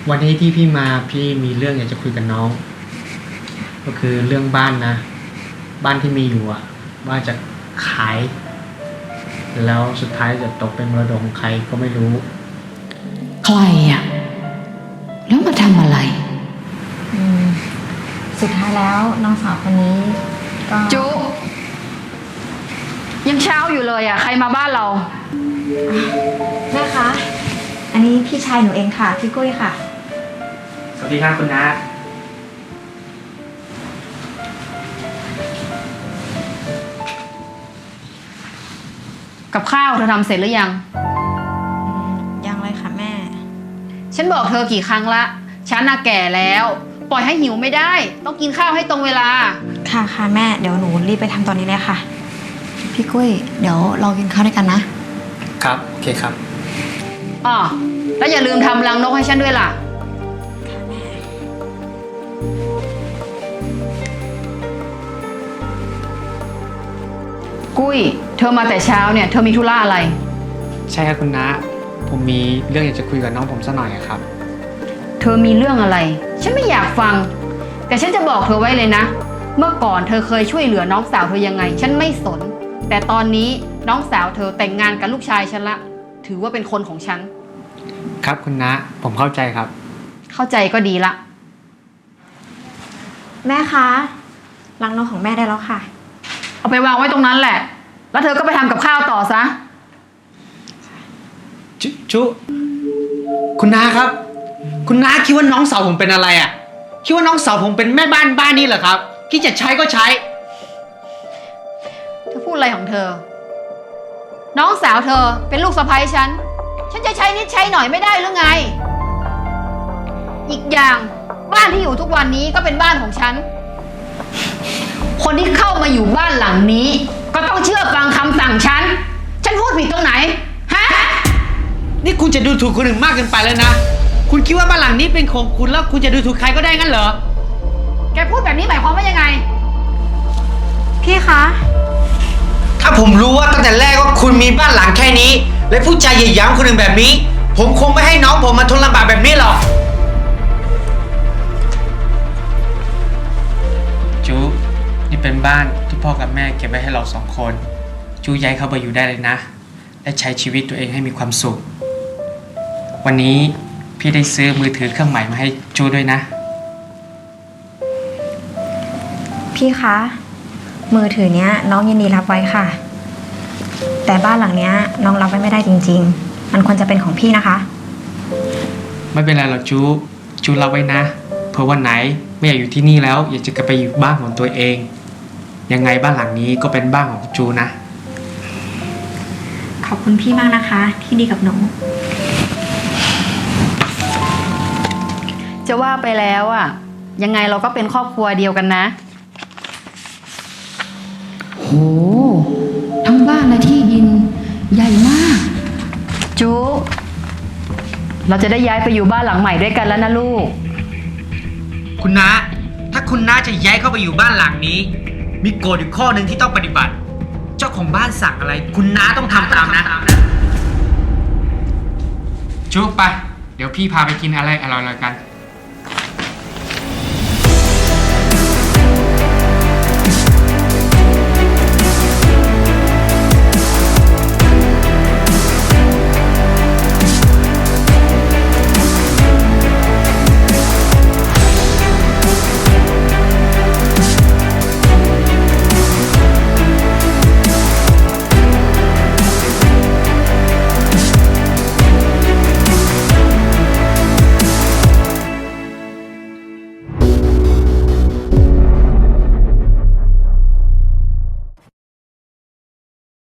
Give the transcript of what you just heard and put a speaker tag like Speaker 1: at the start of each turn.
Speaker 1: วันนี้ที่พี่มาพี่มีเรื่องอยากจะคุยกับน้องก็คือเรื่องบ้านนะบ้านที่มีอยู่อ่ะว่าจะขายแล้วสุดท้ายจะตกเป็นมรดกของใครก็ไม่รู้
Speaker 2: ใครอ่ะแล้วมาทำอะไร
Speaker 3: สุดท้ายแล้วน้องสาวคนนี้ก็
Speaker 2: จุยังเช้าอยู่เลยอ่ะใครมาบ้านเรา
Speaker 3: แม่คะอันนี้พี่ชายหนูเองค่ะพี่กุ้ยค่ะ
Speaker 1: สวัสดีครับคุณน้า
Speaker 2: กับข้าวเธอทำเสร็จหรือยัง
Speaker 3: ยังเลยค่ะแม่
Speaker 2: ฉันบอกเธอกี่ครั้งละฉันน่ะแก่แล้วปล่อยให้หิวไม่ได้ต้องกินข้าวให้ตรงเวลา
Speaker 3: ค่ะค่ะแม่เดี๋ยวหนูรีบไปทำตอนนี้เลยค่ะพี่กุ้ยเดี๋ยวเรากินข้าวด้วยกันนะครับ
Speaker 1: โอเคครับ
Speaker 2: อ๋อแล้วอย่าลืมทำรังนกให้ฉันด้วยล่ะกุ้ยเธอมาแต่เช้าเนี่ยเธอมีธุระอะไร
Speaker 1: ใช่ครับคุณน้าผมมีเรื่องอยากจะคุยกับน้องผมสักหน่อยครับ
Speaker 2: เธอมีเรื่องอะไรฉันไม่อยากฟังแต่ฉันจะบอกเธอไว้เลยนะเมื่อก่อนเธอเคยช่วยเหลือน้องสาวเธอยังไงฉันไม่สนแต่ตอนนี้น้องสาวเธอแต่งงานกับลูกชายฉันละถือว่าเป็นคนของฉัน
Speaker 1: ครับคุณน้าผมเข้าใจครับ
Speaker 2: เข้าใจก็ดีละ
Speaker 3: แม่คะรังนกของแม่ได้แล้วค่ะ
Speaker 2: เอาไปวางไว้ตรงนั้นแหละแล้วเธอก็ไปทำกับข้าวต่อซะ
Speaker 1: จุคุณน้าครับคุณน้าคิดว่าน้องสาวผมเป็นอะไรอ่ะคิดว่าน้องสาวผมเป็นแม่บ้านบ้านนี้เหรอครับคิดจะใช้ก็ใช้
Speaker 2: เธอพูดอะไรของเธอน้องสาวเธอเป็นลูกสะใภ้ฉันจะใช้นิดใช้หน่อยไม่ได้หรือไงอีกอย่างบ้านที่อยู่ทุกวันนี้ก็เป็นบ้านของฉันคนที่เข้ามาอยู่บ้านหลังนี้ก็ต้องเชื่อฟังคำสั่งฉันพูดผิดตรงไหนฮะ
Speaker 1: นี่คุณจะดูถูกคนอื่นมากเกินไปแล้วนะคุณคิดว่าบ้านหลังนี้เป็นของคุณแล้วคุณจะดูถูกใครก็ได้งั้นเหรอ
Speaker 2: แกพูดแบบนี้หมายความว่ายังไง
Speaker 3: พี่คะ
Speaker 1: ถ้าผมรู้ว่าตั้งแต่แรกว่าคุณมีบ้านหลังแค่นี้และพูดจาเหยียดหยามคนอื่นแบบนี้ผมคงไม่ให้น้องผมมาทนลำบากแบบนี้หรอกจูนี่เป็นบ้านที่พ่อกับแม่เก็บไว้ให้เรา2 คนจูย้ายเข้าไปอยู่ได้เลยนะและใช้ชีวิตตัวเองให้มีความสุขวันนี้พี่ได้ซื้อมือถือเครื่องใหม่มาให้จูด้วยนะ
Speaker 3: พี่คะมือถือเนี้ยน้องยินดีรับไว้ค่ะแต่บ้านหลังเนี้ยน้องรับไว้ไม่ได้จริงๆมันควรจะเป็นของพี่นะคะ
Speaker 1: ไม่เป็นไรหรอกจูรับไว้นะเผื่อวันไหนไม่อยากอยู่ที่นี่แล้วอยากจะกลับไปอยู่บ้านของตัวเองยังไงบ้านหลังนี้ก็เป็นบ้านของจูนะ
Speaker 3: ขอบคุณพี่มากนะคะที่ดีกับหนู
Speaker 2: จะว่าไปแล้วอ่ะยังไงเราก็เป็นครอบครัวเดียวกันนะโหทั้งบ้านและที่ดินใหญ่มากจูเราจะได้ย้ายไปอยู่บ้านหลังใหม่ด้วยกันแล้วนะลูก
Speaker 1: คุณน้าถ้าคุณน้าจะย้ายเข้าไปอยู่บ้านหลังนี้มีกฎอยู่ข้อหนึ่งที่ต้องปฏิบัติเจ้าของบ้านสั่งอะไรคุณน้าต้องทำตามนะจูไปเดี๋ยวพี่พาไปกินอะไรอร่อยๆกัน